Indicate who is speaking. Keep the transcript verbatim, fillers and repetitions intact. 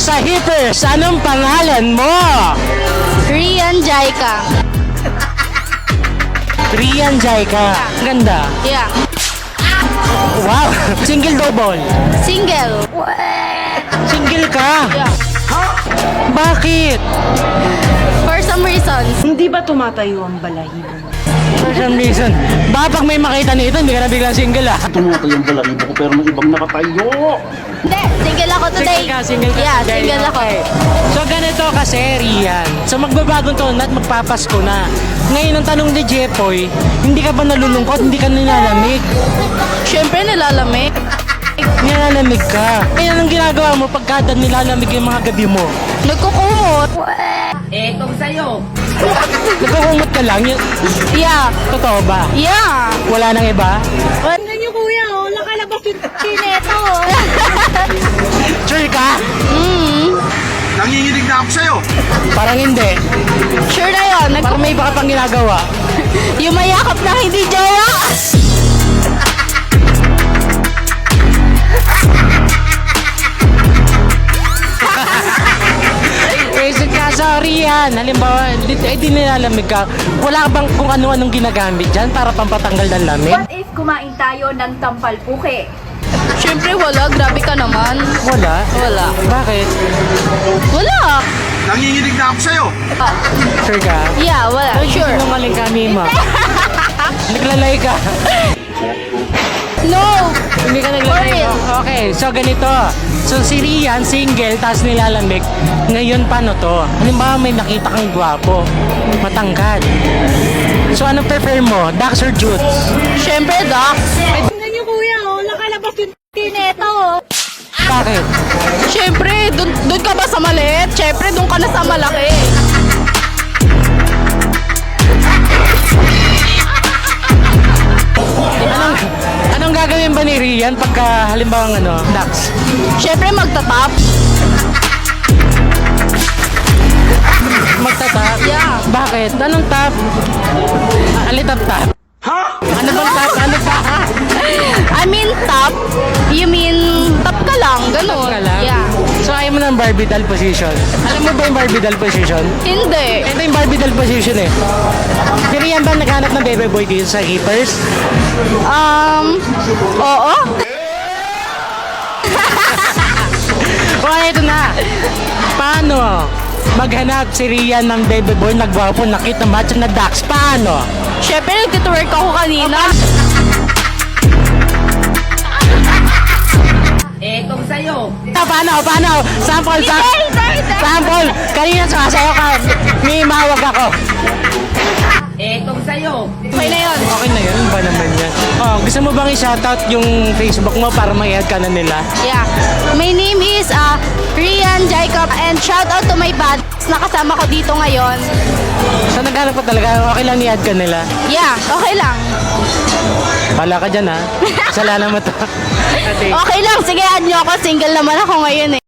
Speaker 1: sa Hippers, anong pangalan mo?
Speaker 2: Rian Jaika.
Speaker 1: Rian Jaika. Ganda.
Speaker 2: Yeah.
Speaker 1: Wow. Single double.
Speaker 2: Single.
Speaker 1: Single ka.
Speaker 2: Yeah.
Speaker 1: Bakit?
Speaker 2: For some reasons.
Speaker 3: Hindi ba tumatayo ang balahibo mo?
Speaker 1: For some reason. Baka pag may makita nito, hindi ka na biglang single ah.
Speaker 4: Tumatay ang balahibo ko pero may ibang nakatayo.
Speaker 2: Hindi, single ako today.
Speaker 1: Single ka, single ka.
Speaker 2: Yeah,
Speaker 1: today.
Speaker 2: single ako.
Speaker 1: Okay. So ganito kasi, Rian. So magbabagong taon at magpapasko na. Ngayon ang tanong ni Jepoy, hindi ka ba nalulungkot? Hindi ka nilalamig?
Speaker 2: Siyempre nilalamig.
Speaker 1: Nilalamig ka. Kaya anong ginagawa mo pagkada nilalamig yung mga gabi mo?
Speaker 2: Nagkukumot.
Speaker 3: Etong sa'yo.
Speaker 1: Nagkukumot ka lang? Yun-
Speaker 2: Yeah.
Speaker 1: Totoo ba?
Speaker 2: Yeah.
Speaker 1: Wala nang iba?
Speaker 2: Tingnan niyo kuya, oh, nakalabas yung kineto.
Speaker 1: Sure ka?
Speaker 2: mm.
Speaker 4: Nanginginig na ako sa'yo.
Speaker 1: Parang hindi.
Speaker 2: Sure na yun. Nag-
Speaker 1: Parang may iba ka pang ginagawa.
Speaker 2: yung mayakap na hindi jowa.
Speaker 1: Eh, ka, sorry yan. Halimbawa, di, eh, di nilalamig ka. Wala ka bang kung ano-anong ginagamit dyan para pampatanggal ng lamig?
Speaker 5: What if kumain tayo ng tampal puke?
Speaker 2: Siyempre wala, grabe ka naman.
Speaker 1: Wala.
Speaker 2: Wala.
Speaker 1: Bakit?
Speaker 2: Wala.
Speaker 4: Nanginginig na ako sa'yo.
Speaker 2: Ah,
Speaker 1: Sure ka?
Speaker 2: yeah, wala. Sure.
Speaker 1: Sinungaling ka, Mima. Naglalay ka.
Speaker 2: No.
Speaker 1: Hindi ka
Speaker 2: For
Speaker 1: naglalay.
Speaker 2: real.
Speaker 1: Okay, so ganito. So si Rian, single, tapos nilalamig. Ngayon, paano to? Halimbawa, may nakita kang gwapo. Matangkad. So ano prefer mo? Dax or Jutes?
Speaker 2: Siyempre, Doc.
Speaker 5: Tingnan niyo kuya, oh, nakalabas yung kineto.
Speaker 1: Bakit?
Speaker 2: Siyempre, dun, dun ka ba sa maliit? Siyempre, dun ka na sa malaki.
Speaker 1: Anong, anong gagawin ba ni Rian pagka halimbawa ano, Dax?
Speaker 2: Siyempre, magtatap.
Speaker 1: Magtatap?
Speaker 2: Yeah.
Speaker 1: Bakit? Anong tap? Alitap tap?
Speaker 4: Ha?
Speaker 1: Ano bang tap? Ano ba?
Speaker 2: I mean, tap. You mean, tap ka lang. Ganun.
Speaker 1: Ka lang?
Speaker 2: Yeah.
Speaker 1: So ayaw mo ng Barbie doll position? Alam mo ba yung Barbie doll position?
Speaker 2: Hindi.
Speaker 1: Ito yung Barbie doll position eh. Si Rian ba naghanap ng baby boy dito sa Keepers?
Speaker 2: Um, oo.
Speaker 1: O ito na. Paano maghanap si Rian ng baby boy nagwapo, nakita macho na Dax? Paano?
Speaker 2: Siyempre, nag-twerk ako kanina.
Speaker 3: Etong sa'yo.
Speaker 1: Ah, paano? Paano? Sample, sa sample. Kanina sumasayaw ka. May mahawag ako.
Speaker 3: Etong sa'yo.
Speaker 2: Okay na yun.
Speaker 1: Okay na yun. Ba naman yan? Oh, gusto mo bang i-shoutout yung Facebook mo para may-add ka na nila?
Speaker 2: Yeah. My name is uh, Rian Jacob and shout out to my band na kasama ko dito ngayon.
Speaker 1: So naghanap ko talaga. Okay lang i-add ka nila.
Speaker 2: Yeah, okay lang.
Speaker 1: Pala ka dyan ha. Kasalanan mo to. Ate.
Speaker 2: Okay lang. Sige, add nyo ako. Single naman ako ngayon eh.